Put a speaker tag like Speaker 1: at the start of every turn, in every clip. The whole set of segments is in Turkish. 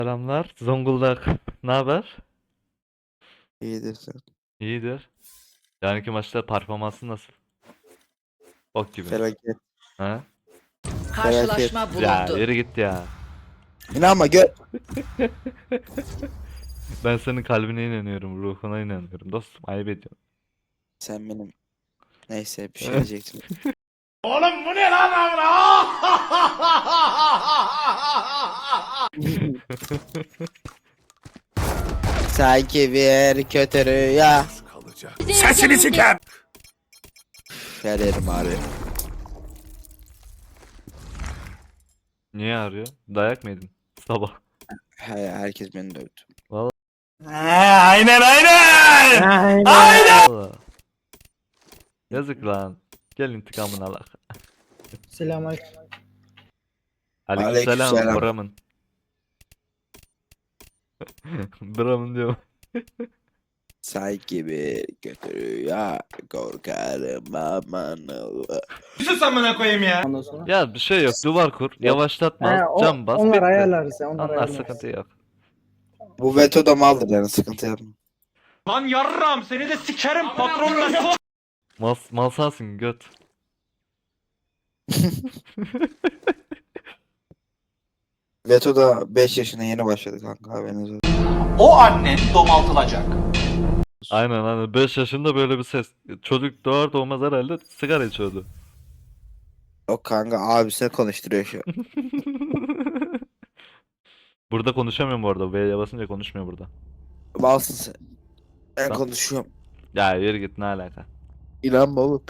Speaker 1: Selamlar. Zonguldak. Ne haber?
Speaker 2: İyidir sen.
Speaker 1: İyidir. Yarınki maçta performansın nasıl? Ok gibi.
Speaker 2: Felaket.
Speaker 1: Ha?
Speaker 2: Felaket.
Speaker 3: Karşılaşma
Speaker 1: Ya
Speaker 3: bulundu.
Speaker 1: yürü git ya.
Speaker 2: İnanma gör.
Speaker 1: Ben senin kalbine inanıyorum, ruhuna inanıyorum. Dostum ayıp ediyorum.
Speaker 2: Sen benim. Neyse bir şey diyecektim.
Speaker 4: Oğlum bu ne lan amına?
Speaker 2: Sanki bir kötü rüya.
Speaker 4: Sesini siker.
Speaker 2: Her yerim ağrıyor.
Speaker 1: Niye arıyor? Dayak mı yedin? Sabah.
Speaker 2: Herkes beni dövdü.
Speaker 4: Aynen aynen.
Speaker 1: Vallahi. Yazık lan. Gel intikamını al.
Speaker 5: Selamünaleyküm.
Speaker 1: Aleykümselam
Speaker 2: Aleykümselam.
Speaker 1: Bram'ın. Bram'ın diyor.
Speaker 2: Sanki bir kötü rüya. Korkarım aman Allah.
Speaker 4: Sus amına koyayım ya.
Speaker 5: Ondan sonra.
Speaker 1: Ya bir şey yok. Duvar kur. Yavaşlatma. Cam bas.
Speaker 5: Onlar
Speaker 1: Bitti.
Speaker 5: ayarlarız ya. Onlar
Speaker 1: Onlar
Speaker 5: ayarlarız.
Speaker 1: sıkıntı yok.
Speaker 2: Bu veto da maldır yani sıkıntı yapma.
Speaker 4: Lan yarram seni de sikerim patronla.
Speaker 1: Mal sensin göt.
Speaker 2: Veto da 5 yaşına yeni başladı kanka haberiniz olsun.
Speaker 4: O annen domaltılacak.
Speaker 1: Aynen 5 yaşında böyle bir ses. Çocuk doğar doğmaz herhalde sigara içiyordu.
Speaker 2: O kanka abisine konuşturuyor şu an.
Speaker 1: Burada konuşamıyorum bu arada. V'ye basınca konuşmuyor burada.
Speaker 2: Balsın sen. Ben
Speaker 1: Tamam.
Speaker 2: konuşuyorum.
Speaker 1: Ya yürü git ne alaka.
Speaker 2: İnanma oğlum.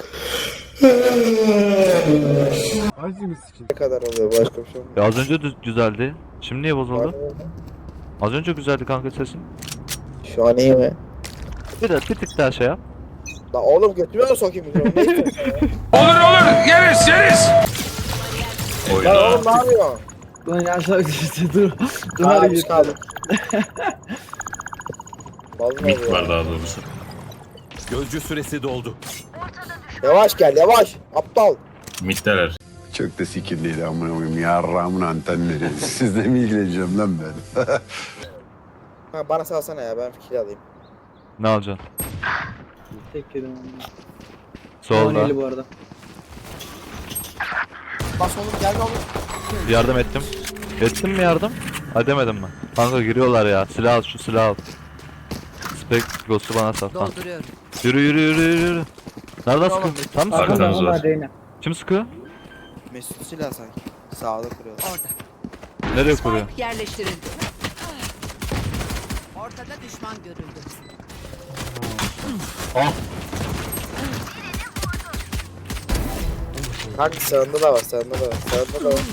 Speaker 2: Ne kadar oluyor başka bir şey olmuyor.
Speaker 1: Ya az önce güzeldi. Şimdi niye bozuldu? Az önce güzeldi kanka sesin.
Speaker 2: Şu an iyi mi?
Speaker 1: Bir tık daha şey yap.
Speaker 2: La oğlum götüme mi sokayım mikrofonu? Ne istiyorsun ya?
Speaker 4: Olur yeriz yeriz.
Speaker 2: Lan oğlum ne yapıyorsun?
Speaker 5: Lan aşağı işte dur. Dur
Speaker 2: Abi
Speaker 5: hadi git.
Speaker 2: kaldım.
Speaker 6: Mit var daha doğrusu. Gözcü süresi doldu.
Speaker 2: Yavaş gel yavaş. Aptal.
Speaker 6: Mitteler.
Speaker 7: Çok da sikirliydi amına koyayım. Yarrağımın antenleri. Sizle mi ilgileneceğim lan ben?
Speaker 2: Ha, bana salsana ya ben fikir alayım.
Speaker 1: Ne alacaksın?
Speaker 5: Tek yedim onu.
Speaker 1: Solda.
Speaker 5: Eli bu arada.
Speaker 2: Bas oğlum gel oğlum.
Speaker 1: Yardım ettim. Ettim mi yardım? Ha demedim mi? Kanka giriyorlar ya. Silah al şu silah al. Spek Ghost'u bana sat lan.
Speaker 3: Dolduruyorum.
Speaker 1: Yürü. Nereden sıkıyor? Tam mı sıkıyor?
Speaker 6: Arkanız
Speaker 5: Onlar
Speaker 6: var.
Speaker 5: Reyna.
Speaker 1: Kim sıkıyor?
Speaker 2: Mesut silah sanki. Sağda kuruyor.
Speaker 3: Orada.
Speaker 1: Nereye kuruyor?
Speaker 3: Spike yerleştirildi. Ortada düşman görüldü.
Speaker 1: Ah!
Speaker 2: Kanka sağında da var sağında da var. Sağında da var.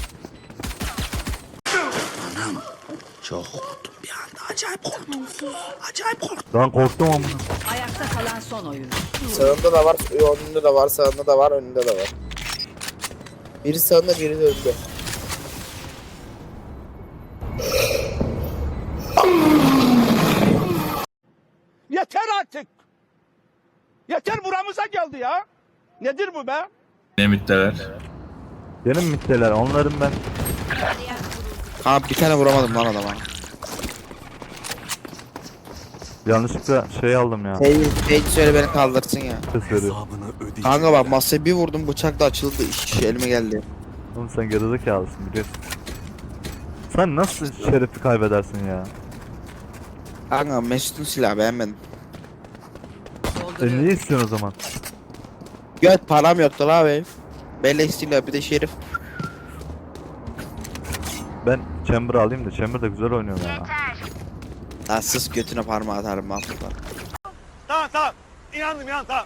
Speaker 1: Ben korktum ama.
Speaker 3: Ayakta kalan son oyuncu.
Speaker 2: Sağında da var. Önünde de var. Sağında da var. Önünde de var. Biri sağında biri de önünde.
Speaker 4: Yeter artık. Yeter buramıza geldi ya. Nedir bu be?
Speaker 6: Ne mitteler?
Speaker 1: Benim mitteler onların ben.
Speaker 2: Kanka bir tane vuramadım lan adama.
Speaker 1: Yanlışlıkla şey aldım ya.
Speaker 2: Hey söyle beni kaldırsın ya.
Speaker 1: Ses veriyor.
Speaker 2: Kanka bak masaya bir vurdum bıçak da açıldı. İş elime geldi.
Speaker 1: Oğlum sen gerizekalısın biliyorsun. Sen nasıl şerefi kaybedersin ya?
Speaker 2: Kanka Mesut'un silahı beğenmedim.
Speaker 1: Niye istiyorsun o zaman?
Speaker 2: Göt param yoktu la benim. Beleş silah bir de şerif.
Speaker 1: Ben Chamber alayım da Chamber da güzel oynuyor ya.
Speaker 2: Lan sus götüne parmağı atarım mahvollar.
Speaker 4: Tamam. İnandım tamam.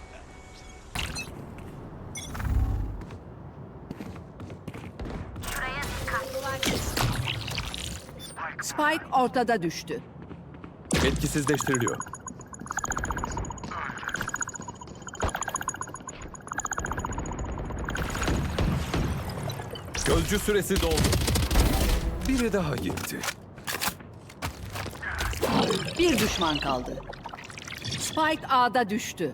Speaker 3: Spike ortada düştü.
Speaker 6: Etkisizleştiriliyor. Gözcü süresi doldu. Biri daha gitti.
Speaker 3: Bir düşman kaldı. Spike A'da düştü.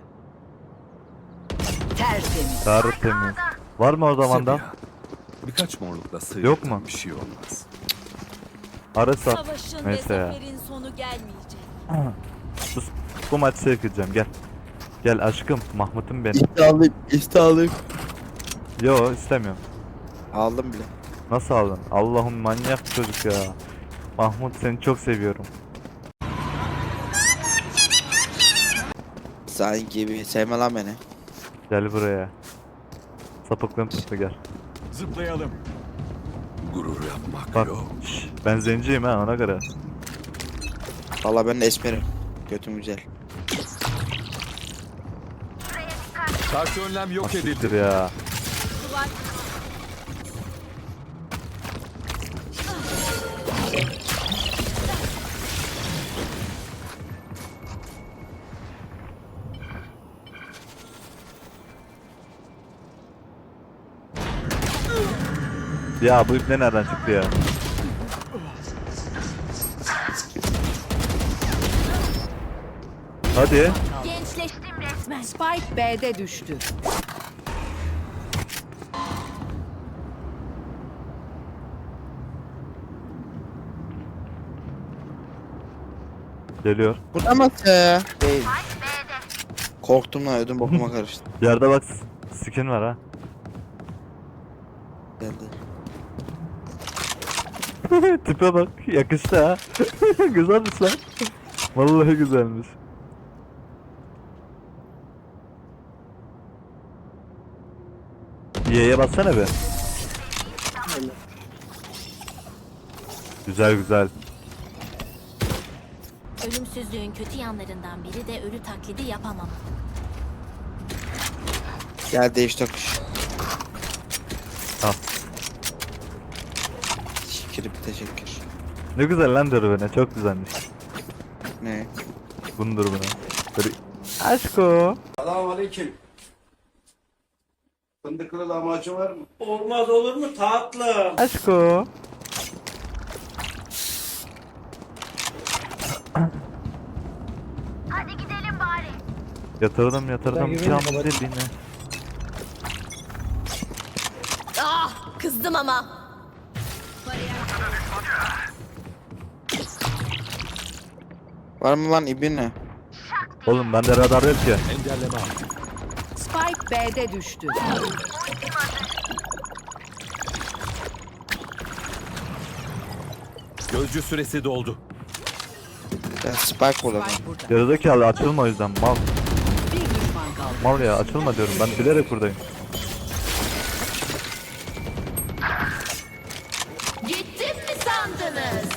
Speaker 3: Tertemiz.
Speaker 1: Tertemiz. Var mı o zaman da?
Speaker 6: Birkaç morlukla
Speaker 1: Yok mu?
Speaker 6: bir şey olmaz.
Speaker 1: Arası at.
Speaker 8: Savaşın
Speaker 1: Neyse
Speaker 8: ve
Speaker 1: ya.
Speaker 8: zaferin sonu gelmeyecek.
Speaker 1: Sus. Bu maçı çekeceğim gel. Gel aşkım Mahmut'um benim.
Speaker 2: İşte alayım.
Speaker 1: Yo istemiyorum.
Speaker 2: Aldım bile.
Speaker 1: Nasıl aldın? Allah'ım manyak bir çocuk ya. Mahmut seni çok seviyorum.
Speaker 2: Sen gibi sevme lan beni.
Speaker 1: Gel buraya. Sapıklığım tuttu gel.
Speaker 6: Zıplayalım. Gurur yapmak
Speaker 1: Bak
Speaker 6: yok.
Speaker 1: şş, ben zenciyim ha ona göre.
Speaker 2: Valla ben de esmerim. Götüm güzel.
Speaker 6: Karşı önlem yok edildi.
Speaker 1: Siktir ya. Ya bu ipne nereden çıktı ya? Hadi.
Speaker 8: Gençleştim resmen.
Speaker 3: Spike B'de düştü.
Speaker 1: Geliyor.
Speaker 2: Burada mı? Değil. Korktum lan ödüm bokuma karıştı.
Speaker 1: Yerde bak skin var ha.
Speaker 2: Geldi.
Speaker 1: Tipe bak yakıştı ha. Güzelmiş lan. Vallahi güzelmiş. Y'ye bassana be. Güzel güzel.
Speaker 8: Ölümsüzlüğün kötü yanlarından biri de ölü taklidi yapamam.
Speaker 2: Gel değiş tokuş.
Speaker 1: Al.
Speaker 2: Şükür teşekkür.
Speaker 1: Ne güzel lan dürbüne çok güzelmiş.
Speaker 2: Ne?
Speaker 1: Bunun dürbüne. Böyle... Aşko.
Speaker 9: Selamünaleyküm. Fındıklı lahmacun var mı?
Speaker 10: Olmaz olur mu tatlım?
Speaker 1: Aşko.
Speaker 8: Hadi gidelim bari.
Speaker 1: Yatırdım
Speaker 5: Ben gibi
Speaker 1: cam
Speaker 5: mi?
Speaker 1: deliğine.
Speaker 8: Ah, kızdım ama.
Speaker 2: Var mı lan ibine?
Speaker 1: Oğlum bende radar yok ki.
Speaker 6: Engelleme al.
Speaker 3: Spike B'de düştü.
Speaker 6: Gözcü süresi doldu.
Speaker 2: Ben spike bulalım.
Speaker 3: Spike burada.
Speaker 1: Gerizekalı açılma o yüzden mal.
Speaker 3: Bir düşman kaldı.
Speaker 1: Mal ya açılma diyorum ben bilerek buradayım.
Speaker 8: Gittim mi sandınız?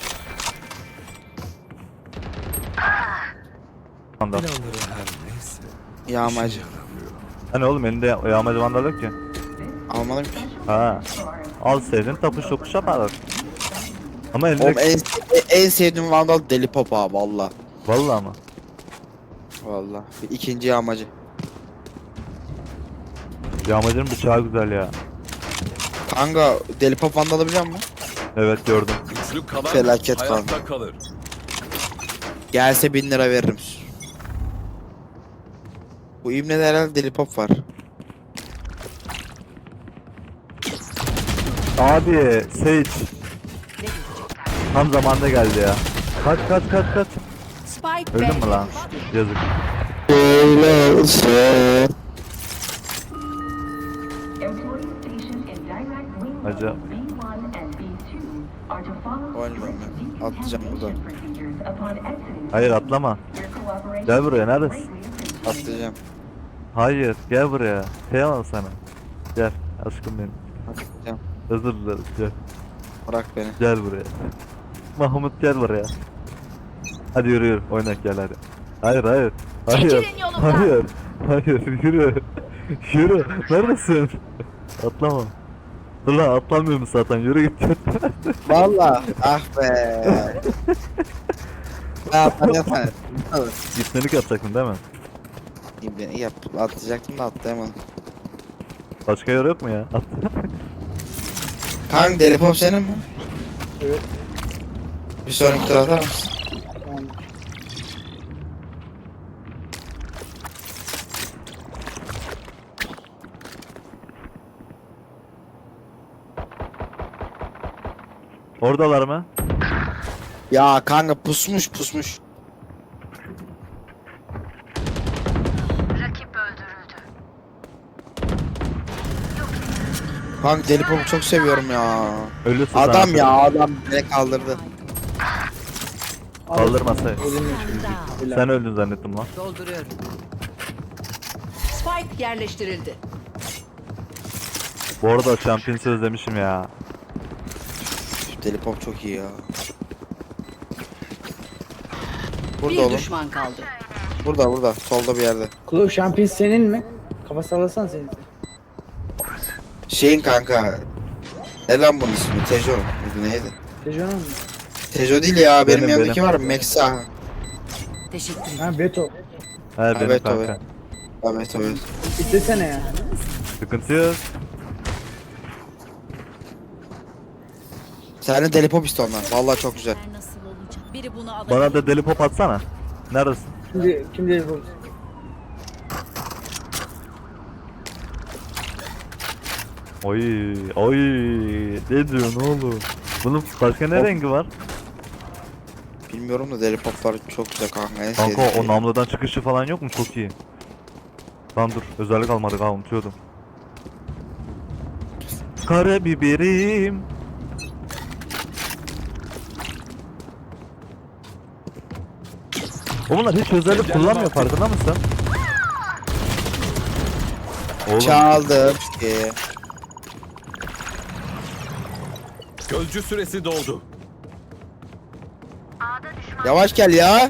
Speaker 1: Vandal.
Speaker 2: Yağmacı.
Speaker 1: Hani oğlum elinde yağmacı vandal yok ki.
Speaker 2: Almadım ki.
Speaker 1: Ha. Al sevdin tapuş topuş yaparlar. Ama elinde...
Speaker 2: Oğlum en sevdiğim vandal deli pop abi valla.
Speaker 1: Vallahi ama.
Speaker 2: Valla. İkinci yağmacı.
Speaker 1: Yağmacının bıçağı güzel ya.
Speaker 2: Kanka deli pop vandalı biliyor musun?
Speaker 1: Evet gördüm.
Speaker 6: Güçlü kalan
Speaker 2: Felaket
Speaker 6: hayatta kalır.
Speaker 2: Gelse 1000 lira veririm. Bu İbne'de herhalde deli pop var.
Speaker 1: Abi Sage. Tam zamanında geldi ya. Kaç.
Speaker 3: Spike
Speaker 1: Öldün
Speaker 3: B'de
Speaker 1: mü lan?
Speaker 3: düştü.
Speaker 1: Yazık. Acaba
Speaker 2: Oynamıyorum ben. Atlayacağım buradan.
Speaker 1: hayır atlama. Gel buraya neredesin?
Speaker 2: Atlayacağım.
Speaker 1: Hayır gel buraya. Kıyamam sana. Gel aşkım benim.
Speaker 2: Atlayacağım.
Speaker 1: Özür dilerim gel.
Speaker 2: Bırak beni.
Speaker 1: Gel buraya. Mahmut gel buraya. Hadi yürü oynak gel hadi. Hayır.
Speaker 8: Çekilin yolumdan.
Speaker 1: Hayır yürü. Yürü. Neredesin? Atlama. Dur lan atlamıyorum zaten yürü git.
Speaker 2: Valla. Ah be. Ne yapacaksın sen?
Speaker 1: Gitmelik yapacaktın değil mi?
Speaker 2: İbne yap. Atlayacaktım da atlayamadım.
Speaker 1: Başka yer yok mu ya? At.
Speaker 2: Kanka deli pop senin mi?
Speaker 5: Evet.
Speaker 2: Bir sonraki tur atar mısın?
Speaker 5: Tamam.
Speaker 1: Oradalar mı?
Speaker 2: Ya kanka pusmuş. Kanka deli popu çok seviyorum ya.
Speaker 1: Ölüsün
Speaker 2: Adam
Speaker 1: sana.
Speaker 2: ya adam beni kaldırdı.
Speaker 1: Kaldırmasa.
Speaker 3: Down.
Speaker 1: Sen öldün zannettim lan.
Speaker 3: Dolduruyorum. Spike yerleştirildi.
Speaker 1: Bu arada Champions'ı özlemişim ya.
Speaker 2: Deli pop çok iyi ya. Burada
Speaker 3: Bir
Speaker 2: oğlum.
Speaker 3: düşman kaldı.
Speaker 2: Burada. Solda bir yerde.
Speaker 5: Klov şampiyon senin mi? Kafa sallasan senin.
Speaker 2: Şeyin kanka. Ne lan bunun ismi? Tejo. Muydu, neydi?
Speaker 5: Tejon mu?
Speaker 2: Tejo değil ya. Benim
Speaker 1: Benim,
Speaker 2: yanımdaki
Speaker 1: benim.
Speaker 2: var. Mexa.
Speaker 3: Teşekkür ederim.
Speaker 5: Ha Beto.
Speaker 1: He benim
Speaker 2: Evet,
Speaker 1: kanka.
Speaker 2: evet.
Speaker 5: İstesene ya.
Speaker 1: Sıkıntı yok.
Speaker 2: Sen de deli pop iste ondan. Vallahi çok güzel.
Speaker 8: Nasıl olacak? Biri bunu alabilir.
Speaker 1: Bana da deli pop atsana. Neredesin?
Speaker 5: Kim değil bu?
Speaker 1: Oy. Ne diyorsun oğlum? Bunun başka ne rengi var?
Speaker 2: Bilmiyorum da deli poplar çok güzel kanka. En
Speaker 1: Kanka
Speaker 2: sevdiğim
Speaker 1: o
Speaker 2: şey.
Speaker 1: namludan çıkışı falan yok mu? Çok iyi. Lan dur özellik almadık ha unutuyordum. Karabiberim. O bunlar hiç özellik kullanmıyor farkında mısın? Oğlum
Speaker 2: Çaldım.
Speaker 6: Gözcü süresi doldu.
Speaker 2: Yavaş gel ya.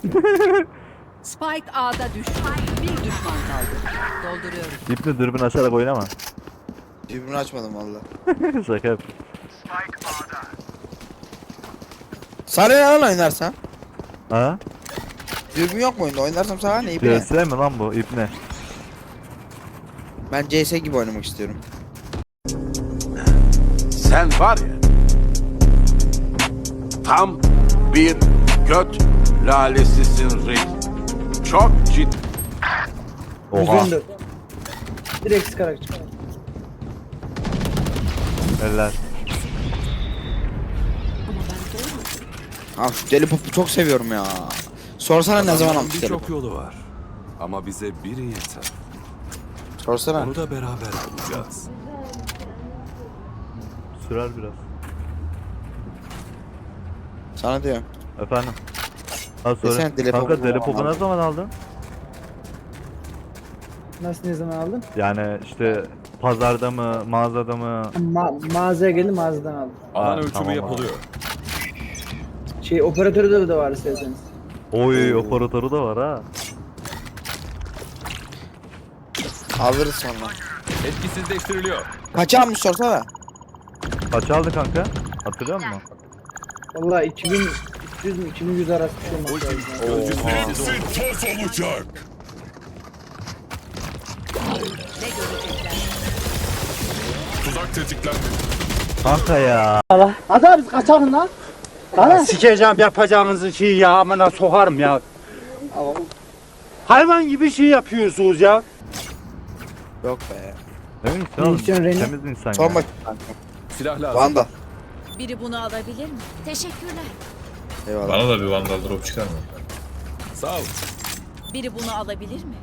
Speaker 3: Spike A'da düştü. Bir düşman kaldı. Dolduruyorum.
Speaker 1: ipni dürbün açarak oynama.
Speaker 2: Dürbünü açmadım valla.
Speaker 1: Şaka yap.
Speaker 2: Sana ne lan oynarsan?
Speaker 1: Ha?
Speaker 2: Dürbün yok mu oyunda? Oynarsam sana ne ipine?
Speaker 1: CS mi lan bu ipne?
Speaker 2: Ben CS gibi oynamak istiyorum.
Speaker 9: Sen var ya, tam bir göt lalesisin reis. Çok ciddi.
Speaker 1: Oha.
Speaker 5: 114. Direkt sıkarak çıkar.
Speaker 1: Eller.
Speaker 2: Ah şu deli popu çok seviyorum ya. Sorsana ne zaman almış deli
Speaker 6: Birçok
Speaker 2: popu?
Speaker 6: yolu var. Ama bize biri yeter.
Speaker 2: Sorsana.
Speaker 6: Onu da beraber bulacağız.
Speaker 1: Sürer biraz.
Speaker 2: Sana diyorum.
Speaker 1: Efendim. Ha
Speaker 2: Desene
Speaker 1: söyle.
Speaker 2: deli
Speaker 1: Kanka
Speaker 2: popu
Speaker 1: deli
Speaker 2: falan
Speaker 1: popu ne
Speaker 2: aldın.
Speaker 1: zaman aldın?
Speaker 5: Nasıl ne zaman aldın?
Speaker 1: Yani işte pazarda mı, mağazada mı?
Speaker 5: Mağazaya geldim mağazadan aldım.
Speaker 6: Alan ölçümü
Speaker 1: tamam abi.
Speaker 6: yapılıyor.
Speaker 5: Operatörü de var isterseniz.
Speaker 1: Oy operatörü de var ha.
Speaker 2: Alırız sonra.
Speaker 6: Etkisizleştiriliyor.
Speaker 2: Kaç almış sorsana.
Speaker 1: Kaç aldı kanka? Hatırlıyor musun?
Speaker 5: Vallahi 2300 mü 2100 arası bir şey olması lazım.
Speaker 6: Gözcü süresi doldu.
Speaker 3: Ne görecekler?
Speaker 6: Tuzak tetiklendi.
Speaker 1: Kanka ya.
Speaker 5: Hadi abi kaçalım lan.
Speaker 10: Sikeceğim yapacağınızı şeyi ya amına sokarım ya. Hayvan gibi şey yapıyorsunuz ya.
Speaker 2: Yok be.
Speaker 1: Emin misin oğlum?
Speaker 5: Misyon Reyna.
Speaker 1: Temiz insan
Speaker 2: Son
Speaker 1: ya.
Speaker 2: bakayım kanka.
Speaker 6: Silah lazım.
Speaker 2: Vanda.
Speaker 8: Biri bunu alabilir mi? Teşekkürler.
Speaker 2: Eyvallah.
Speaker 6: Bana da bir vandal drop çıkar mı? Sağ ol.
Speaker 8: Biri bunu alabilir mi?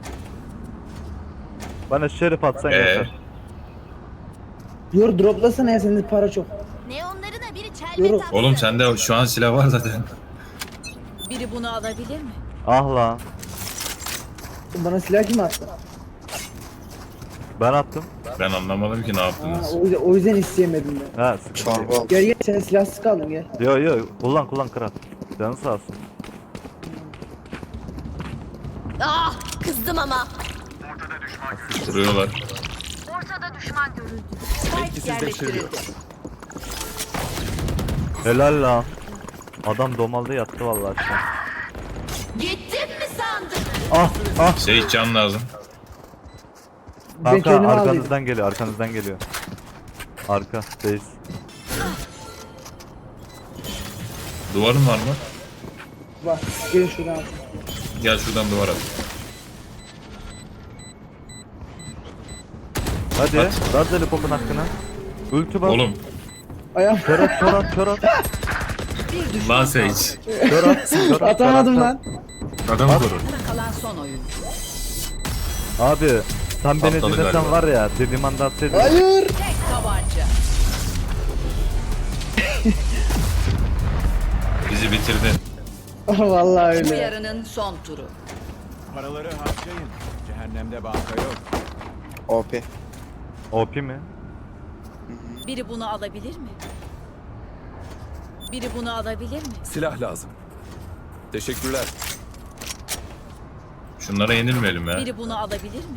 Speaker 1: Bana şerif atsan yeter.
Speaker 5: Yor droplasana ya sende para çok.
Speaker 8: Neonlarına biri
Speaker 5: Yürü.
Speaker 8: çelme taksın.
Speaker 6: Oğlum sende şu an silah var zaten.
Speaker 8: Biri bunu alabilir mi?
Speaker 1: Ah lan.
Speaker 5: Bana silah kim attı?
Speaker 1: Ben attım.
Speaker 6: Ben anlamadım ki ne
Speaker 5: Ha,
Speaker 6: yaptınız.
Speaker 5: o yüzden isteyemedim ben.
Speaker 1: Ha sıkıntı yok.
Speaker 2: Çorba oldu.
Speaker 5: Gel sen silahsız kaldın gel.
Speaker 1: Yo kullan kral. Canı sağ olsun.
Speaker 8: Ah, kızdım ama.
Speaker 6: Vuruyorlar.
Speaker 3: Spike yerleştirildi.
Speaker 1: Helal lan. Adam domalda yattı vallahi şu an.
Speaker 8: Gittim mi sandın?
Speaker 1: Ah
Speaker 6: Şey can lazım.
Speaker 5: Ben
Speaker 1: kanka
Speaker 5: kendimi aldıydım.
Speaker 1: arkanızdan geliyor. Arka base.
Speaker 6: Duvarın var mı?
Speaker 5: Bak gelin şuradan.
Speaker 6: Gel şuradan duvar at.
Speaker 1: Hadi. Ver deli popun hakkını. Ulti bas.
Speaker 6: Oğlum
Speaker 5: Ayağım.
Speaker 1: Kör at.
Speaker 3: Bir düşman
Speaker 6: Lan
Speaker 3: kaldı.
Speaker 6: Sage.
Speaker 1: Kör at. Kör at.
Speaker 5: Atamadım
Speaker 1: kör at.
Speaker 5: lan.
Speaker 6: Adamı koru.
Speaker 3: Kalan son oyun.
Speaker 1: Abi sen beni
Speaker 6: Atladı
Speaker 1: dinlesen
Speaker 6: galiba.
Speaker 1: var ya dediğim anda atsaydın.
Speaker 5: Hayır.
Speaker 3: Tek tabanca.
Speaker 6: Bizi bitirdin.
Speaker 5: Vallahi
Speaker 3: Bu
Speaker 5: öyle.
Speaker 3: yarının son turu.
Speaker 4: Paraları harcayın. Cehennemde banka yok.
Speaker 2: OP.
Speaker 1: OP mi?
Speaker 8: Biri bunu alabilir mi? Biri bunu alabilir mi?
Speaker 6: Silah lazım. Teşekkürler. Şunlara yenilmeyelim ya.
Speaker 8: Biri bunu alabilir mi?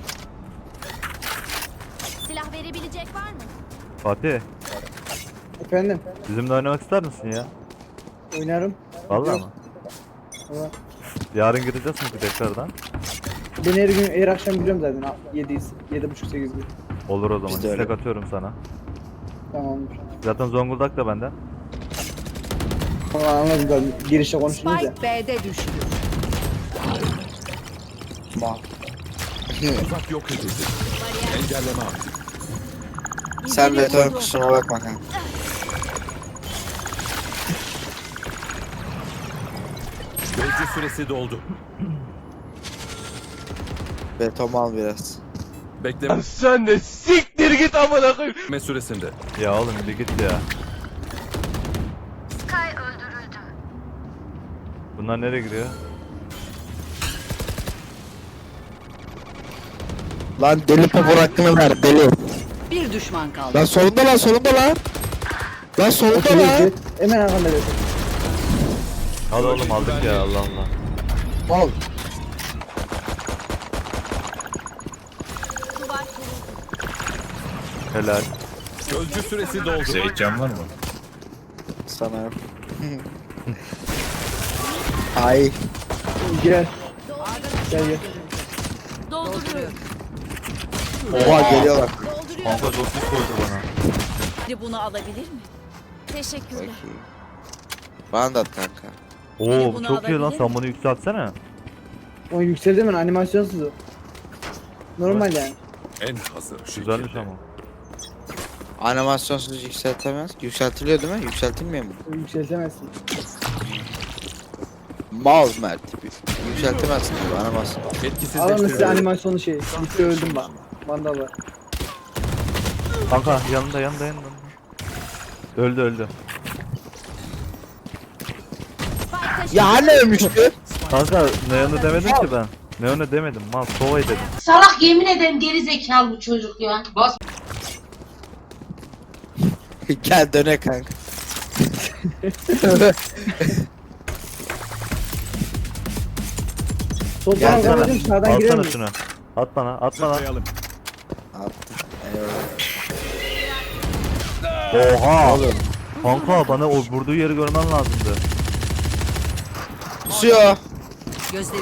Speaker 8: Silah verebilecek var mı?
Speaker 1: Fatih
Speaker 5: Efendim.
Speaker 1: bizimle oynamak ister misin ya?
Speaker 5: Oynarım.
Speaker 1: Vallahi mı?
Speaker 5: Valla.
Speaker 1: Yarın gireceğiz mi tekrardan?
Speaker 5: Ben her gün her akşam giriyorum zaten. 7.30-8 gibi.
Speaker 1: Olur o zaman.
Speaker 2: Biz de öyle.
Speaker 1: İstek atıyorum sana.
Speaker 5: Tamamdır.
Speaker 1: Zaten Zonguldak da benden.
Speaker 5: Ama anladım zaten. Girişte konuştunuz ya.
Speaker 3: Spike B'de düştü.
Speaker 2: Mal.
Speaker 6: Uzak yok edildi. Engelleme aktif.
Speaker 2: Sen beton kusuruma bakma kanka.
Speaker 6: Gözcü süresi doldu.
Speaker 2: Beton al biraz.
Speaker 6: Bekleme
Speaker 4: Sen de siktir git amına koyayım.
Speaker 6: süresinde.
Speaker 1: Ya oğlum bir git ya. Bunlar nereye giriyor?
Speaker 2: Lan deli popor hakkını ver deli.
Speaker 3: Bir düşman kaldı.
Speaker 2: Lan solunda lan solunda lan. Lan solunda lan.
Speaker 5: Hemen arkanda dedim.
Speaker 1: Al oğlum aldık ya Allah Allah.
Speaker 2: Mal.
Speaker 1: Helal.
Speaker 6: Gözcü süresi doldu. Sage can var mı?
Speaker 2: Sana yok. Ay.
Speaker 5: Gel. Gel gel.
Speaker 8: Dolduruyorum.
Speaker 2: Oha geliyorlar.
Speaker 1: Kanka çok pis koydu bana.
Speaker 8: Biri bunu alabilir mi? Teşekkürler.
Speaker 2: Peki. Bana da at kanka.
Speaker 1: Oo
Speaker 8: bunu
Speaker 1: çok iyi lan
Speaker 8: alabilir
Speaker 1: sen bunu yükseltsene.
Speaker 5: O yükseldi mi? Animasyonsuz o. Normal yani.
Speaker 6: En hazır şekilde.
Speaker 1: Güzelmiş ama.
Speaker 2: Animasyonsuz yükseltemez. Yükseltiliyor değil mi? Yükseltilmiyor mu?
Speaker 5: O yükseltemezsin.
Speaker 2: Mal Mert. Yükseltemezsin diyor animasyon.
Speaker 5: Alın size
Speaker 6: Etkisizleştiriliyor.
Speaker 5: animasyonu şey. Bitti öldüm bak. Vandal var.
Speaker 1: Kanka yanında. Öldü.
Speaker 2: Ya hani ölmüştü?
Speaker 1: Kanka Neon'u demedim ki ben. Neon'u demedim. Mal Sova'yı dedim.
Speaker 8: Salak yemin ederim geri zekalı bu çocuk ya. Bas.
Speaker 2: Gel döne kanka.
Speaker 5: Soldan
Speaker 1: Alsana.
Speaker 5: kanadım sağdan girer
Speaker 1: Alsana
Speaker 5: mi?
Speaker 1: şunu. At bana.
Speaker 2: Attım.
Speaker 1: Oha.
Speaker 2: Oğlum.
Speaker 1: Kanka bana o vurduğu yeri görmen lazımdı.
Speaker 2: Kusuyor.
Speaker 3: Gözlerini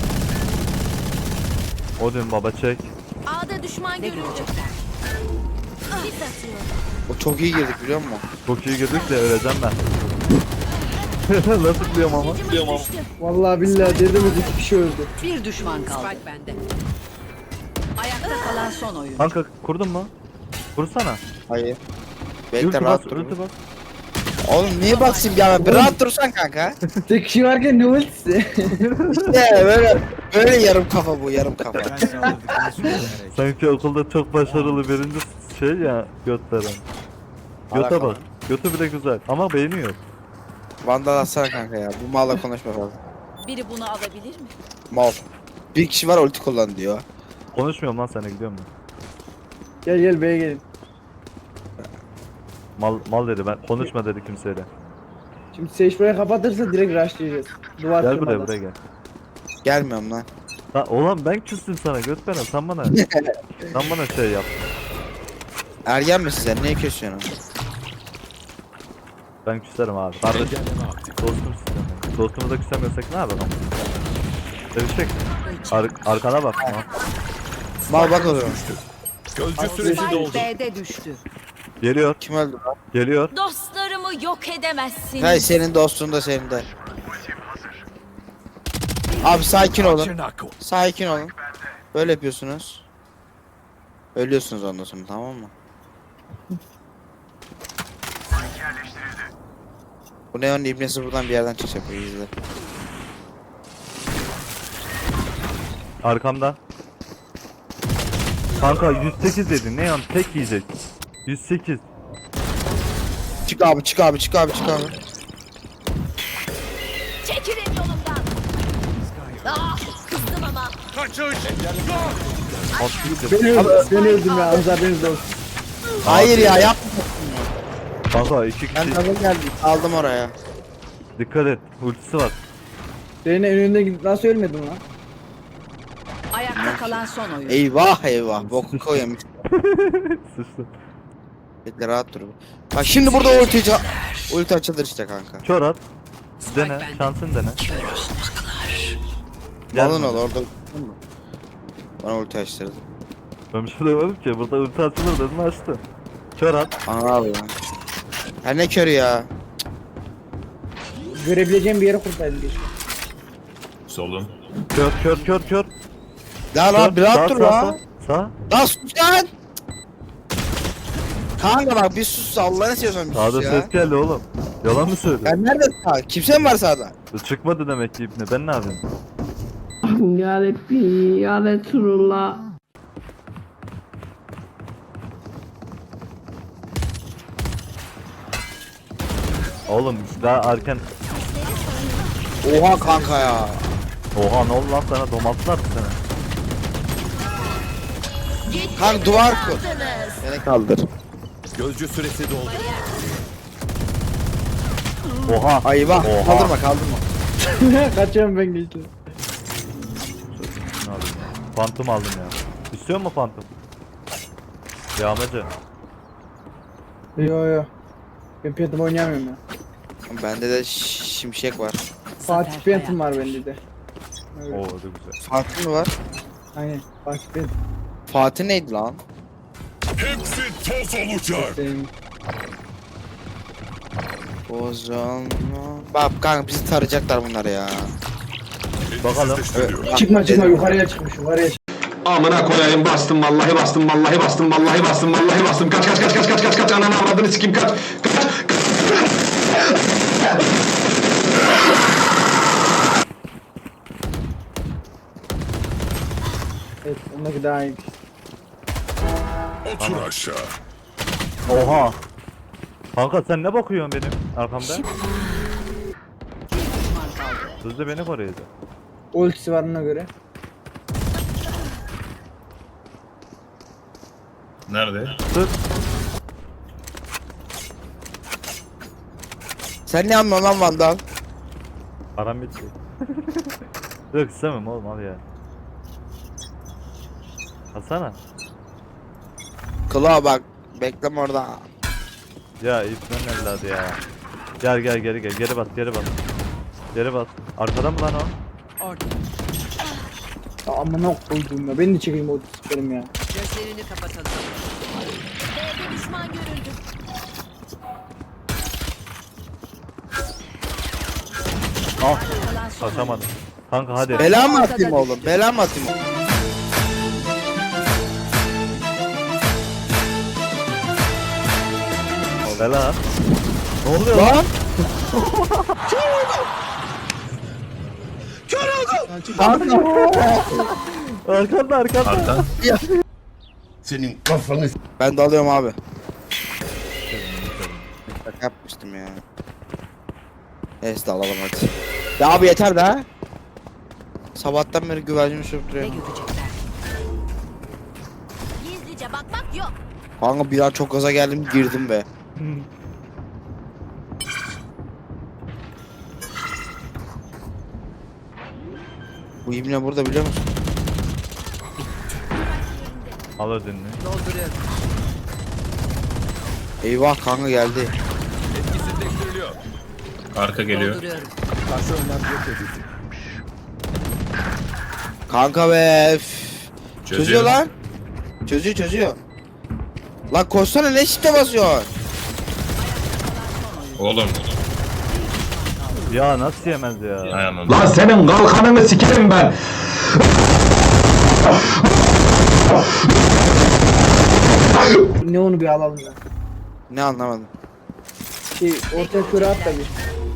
Speaker 1: Odin baba çek.
Speaker 8: A'da düşman
Speaker 3: ne
Speaker 8: görüldü.
Speaker 3: görecekler?
Speaker 8: Sis atıyor.
Speaker 2: O çok iyi girdik biliyor musun?
Speaker 1: Çok iyi girdik de öleceğim ben. Nasıl biliyorum ama?
Speaker 8: Gücümüz düştü.
Speaker 5: Vallahi billahi dedim 2 kişi öldü.
Speaker 3: Bir düşman kaldı. Spike bende. Ayakta kalan son oyun.
Speaker 1: Kanka kurdun mu? Kursana.
Speaker 2: Hayır. Bekle
Speaker 1: Ulti bas,
Speaker 2: rahat dur.
Speaker 1: ulti bas.
Speaker 2: Oğlum niye basayım ya? Bir rahat dursan kanka.
Speaker 5: Tek kişi varken ne ultisi?
Speaker 2: İşte böyle yarım kafa bu yarım kafa.
Speaker 1: Sanki okulda çok başarılı birinci şey ya götleren. Göte
Speaker 2: Alakalı.
Speaker 1: bak. Götü bile güzel ama beğeniyor.
Speaker 2: Vandal atsana kanka ya. Bu malla konuşma fazla.
Speaker 8: Biri bunu alabilir mi?
Speaker 2: Mal. Bir kişi var ulti kullan diyor.
Speaker 1: Konuşmuyorum lan sana gidiyorum ben.
Speaker 5: Gel gel B'ye gelin.
Speaker 1: Mal dedi ben konuşma dedi kimseyle.
Speaker 5: Şimdi Sage burayı kapatırsa direkt rushlayacağız. Duvar
Speaker 1: Gel buraya
Speaker 5: kırmadan.
Speaker 1: buraya gel.
Speaker 2: Gelmiyorum lan.
Speaker 1: Lan oğlum ben küstüm sana göt veren sen bana şey yap.
Speaker 2: Ergen misin sen? Niye kesiyorsun?
Speaker 1: Ben küserim abi. Kardeş
Speaker 6: Engelleme aktif.
Speaker 1: dostum sizden. Dostumuza küsemiyorsak ne yapalım? Sevişecek. Arkana bak. Ha.
Speaker 2: Mal bak o zaman.
Speaker 6: Gözcü süresi
Speaker 3: Spike
Speaker 6: doldu.
Speaker 3: B'de düştü.
Speaker 1: Geliyor.
Speaker 2: Kim öldü lan?
Speaker 1: Geliyor.
Speaker 8: Dostlarımı yok edemezsin.
Speaker 2: Hay senin dostun da senin de. Abi sakin olun.
Speaker 6: Çenako.
Speaker 2: Sakin olun. Böyle yapıyorsunuz. Ölüyorsunuz ondan sonra tamam mı? Bu neon ibnesi buradan bir yerden çıkacak bu izle.
Speaker 1: Arkamda. Kanka 108 dedin. Ne yan tek yiyecek. 108.
Speaker 2: Çık abi çık abi çık abi çık abi.
Speaker 8: Çekilin yolumdan. Ah, kızdım ama.
Speaker 5: Ben öldüm ya. Haberiniz olsun.
Speaker 2: Hayır ya yap.
Speaker 1: Kanka 2
Speaker 2: Ben
Speaker 1: kişi.
Speaker 2: tabii geldim. Aldım oraya.
Speaker 1: Dikkat et. Ultisi var.
Speaker 5: Senin önünde gidip nasıl ölmedin lan?
Speaker 3: Ayakta kalan son oyun.
Speaker 2: Eyvah eyvah. Boku koyayım.
Speaker 1: Sıçtı.
Speaker 2: Bekle rahat dur. Bak şimdi burada ulti açılır işte kanka.
Speaker 1: Kör at. Dene.
Speaker 3: bende.
Speaker 1: Şansın dene.
Speaker 2: Malın ol orada. Bana ulti açtırdı.
Speaker 1: Ben bir şey demedim ki. Burada ulti açılır dedim açtı. Kör at.
Speaker 2: Ana abi ya. Her ne körü ya.
Speaker 5: Görebileceğim bir yere kurtardım bir.
Speaker 6: Solun.
Speaker 1: Kör.
Speaker 2: Ya lan bir rahat dur lan.
Speaker 1: Sağ.
Speaker 2: Lan sus lan. Kanka bak bir sus Allah'ını seviyorsan bir
Speaker 1: Sağda
Speaker 2: sus ya.
Speaker 1: ses geldi oğlum. Yalan mı söylüyorsun?
Speaker 2: Ben nerede sağ? Kimse mi var sağda?
Speaker 1: Çıkmadı demek ki ipne. Ben ne yapayım?
Speaker 11: Ya Rabbi, ya Resulullah.
Speaker 1: Oğlum daha erken.
Speaker 2: Oha kanka ya.
Speaker 1: Oha ne oldu lan sana? Domatlar sana.
Speaker 2: Kanka duvar kur. Beni kaldır.
Speaker 6: Gözcü süresi doldu.
Speaker 1: Oha.
Speaker 2: Eyvah.
Speaker 1: Oha.
Speaker 2: Kaldırma.
Speaker 5: Kaçıyorum ben geçtim.
Speaker 1: Ne alayım ya? Phantom aldım ya. İstiyor mu Phantom? Yağmacı.
Speaker 5: Yo. Ben Phantom oynayamıyorum ya.
Speaker 2: Bende de şimşek var.
Speaker 5: Fatih Phantom var bende de.
Speaker 1: Oo o da güzel.
Speaker 2: Fatih mi var?
Speaker 5: Aynen. Fatih Phantom.
Speaker 2: Fatih neydi lan?
Speaker 6: Hepsi toz olacak.
Speaker 5: Benim.
Speaker 2: Bozan. Bak kanka bizi tarayacaklar bunlar ya.
Speaker 1: Bakalım.
Speaker 2: Evet,
Speaker 5: Çıkma
Speaker 2: dedim.
Speaker 5: yukarıya çıkmış yukarıya çıkmış.
Speaker 10: Amına koyayım bastım vallahi bastım kaç ananı avradını sikeyim kaç.
Speaker 5: Evet ondaki daha iyi.
Speaker 6: Otur aşağı.
Speaker 1: Oha. Kanka sen ne bakıyorsun benim arkamda? Sözde beni koruyacak.
Speaker 5: Ultisi var ona göre.
Speaker 6: Nerede?
Speaker 1: Dur.
Speaker 2: Sen ne anlıyorsun lan Vandal?
Speaker 1: Param bitti. Yok istemem oğlum al ya. Alsana.
Speaker 2: Kulağa bak. Bekleme orada.
Speaker 1: Ya ipten evladı ya. Gel geri bas. Geri bas. Arkada mı lan o?
Speaker 3: Orada.
Speaker 5: Ya amına koydum ya. Ben de çekeyim o sikerim ya.
Speaker 3: Gözlerini kapatalım.
Speaker 8: B'de düşman görüldü.
Speaker 1: Ah
Speaker 3: Kalan son oyun.
Speaker 1: kaçamadım. Kanka hadi.
Speaker 2: Bela mı atayım oğlum? Bela mı atayım?
Speaker 1: Bela. Ne oluyor lan?
Speaker 2: Lan!
Speaker 1: Arkanda.
Speaker 6: Arkan.
Speaker 2: Ben de alıyorum abi. Şaka yapmıştım ya. Neyse de alalım hadi. Ya abi yeter de. Sabahtan beri güvercin sürüp
Speaker 3: Ne
Speaker 2: duruyor.
Speaker 3: görecekler?
Speaker 8: Gizlice bakmak yok.
Speaker 2: Kanka bir an çok gaza geldim girdim be. Bu ibne burada biliyor musun?
Speaker 1: Al ödününü.
Speaker 3: Dolduruyorum.
Speaker 2: Eyvah kanka geldi.
Speaker 6: Etkisizleştiriliyor. Arka geliyor.
Speaker 3: Dolduruyorum.
Speaker 6: Karşı önlem yok edildi.
Speaker 2: Kanka be. Üf. Çözüyor lan. Çözüyor. Lan koşsana ne şite basıyor?
Speaker 6: Oğlum.
Speaker 1: Ya nasıl yemez ya?
Speaker 6: Ayağının.
Speaker 10: Lan senin kalkanını sikerim ben.
Speaker 5: Ne onu bir alalım ya.
Speaker 2: Ne anlamadım.
Speaker 5: Ortaya köre at da bir.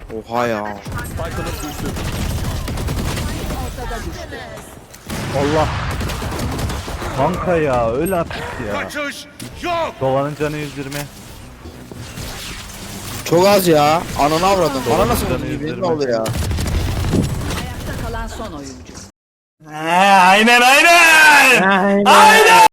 Speaker 2: Oha ya.
Speaker 6: Spike'ımız düştü.
Speaker 3: Ortada düştü.
Speaker 1: Allah. Kanka ya öl artık ya.
Speaker 4: Kaçış yok.
Speaker 1: Dovanın canı 120.
Speaker 2: Çok az ya. Ananı avradım. Bana
Speaker 1: Doğru,
Speaker 2: nasıl
Speaker 1: canı
Speaker 2: oldu gibi
Speaker 1: yüzlerime.
Speaker 2: ne oldu ya?
Speaker 3: Ayakta kalan son oyuncu.
Speaker 10: Aynen aynen. Aynen.